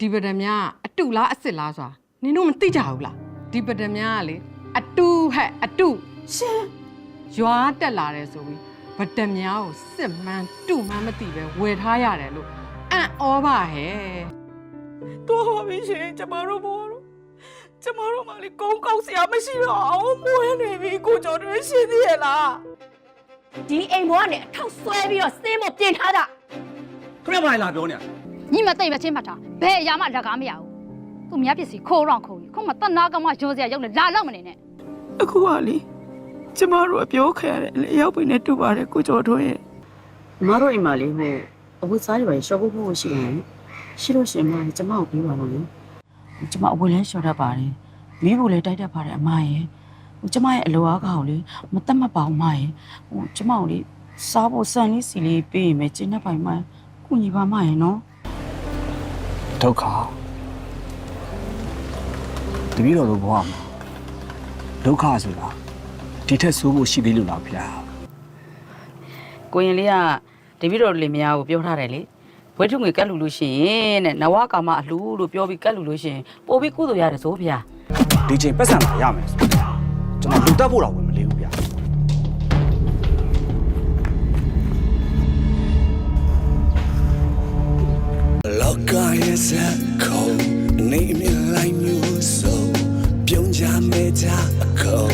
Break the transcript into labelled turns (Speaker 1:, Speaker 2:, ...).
Speaker 1: ဒီပဒံများအတူလားအစ်စ်လားဆိုတာနင်တို့မသိကြဘူးလားဒီပဒံများကလေအတူဟဲ့အတူရှင်ရွာတက်လာတယ်ဆိုပြီးပဒံများကိုစစ်မှန်းတူမှန်းမသိပဲဝယ်ထားရတယ်လို့အံ့ဩပါဟဲ့
Speaker 2: တော်ပါပြီရှင်ကျမတို့ဘောလို့ကျမတို့မှလေကုန်းကောက်စရာမရှိတော့အောင်မွေးနေပြီကိုကျော်တွေရှင်းသေးရဲ့လား
Speaker 3: ဒီအိမ်ဘောကနေအထောက်ဆွဲပြီးတော့စင်းမပြင်ထားတာ
Speaker 4: ခဏမှလာပြောနေ
Speaker 5: ညီမသိမချင်းမှတ်တာဘယ်အရာမှလက်ကားမရဘူးသူများပစ္စည်းခိုးတော့ခိုးပြီခုမှတနာကမှရုံးစရာရုံးနဲ့လာတော့မနေနဲ့
Speaker 2: အခုကလေကျမတို့အပြောခံရတယ်လေရောက်ပြီနဲ့တူပါတယ်ကိုကျော်တို့ရဲ့
Speaker 6: မတို့အိမ်မှာလေဟိုအဝတ်စားတွေပဲရှော့ဖို့ရှိတယ်ရှိလို့ရှင်မကျမကိုပြီးပါလို့လေကျမအဝတ်လဲရှော့တတ်ပါတယ်မိဖို့လဲတိုက်တတ်ပါတယ်အမရဲ့ဟိုကျမရဲ့အလိုအားကောက်လေမတတ်မှတ်ပါဘူးမရဲ့ဟိုကျမကိုလေစားဖို့စံလေးစီလေးပေးရင်ပဲကျင်းတတ်ပိုင်မှကုညီပါမရဲ့နော်
Speaker 4: ဒုက္ခတပည့်တော်တို့ဘဝမှာဒုက္ခဆိုတာဒီထက်ဆိုးဖို့ရှိသေးလို့လားဗျာ
Speaker 6: ကိုရင်လေးကတပည့်တော်လေးမယားကိုပြောထားတယ်လေဝဲထုငွေကတ်လူလို့ရှိရင်တဲ့နဝကာမအလှလို့ပြောပြီးကတ်လူလို့ရှိရင်ပို့ပြီးကုသိုလ်ရတယ်ဆိုဗျာ
Speaker 4: ဒီချိန်ပတ်စံလာရမယ်ဆိုတော့ကျွန်တော်လူတက်ဖို့တော့ဝင်မလေးဘူးဗျာ
Speaker 7: လောကရဲ့စက်ခုံနေမြလိုက်မျိုးစုံပြုံးကြမဲကြအခုံ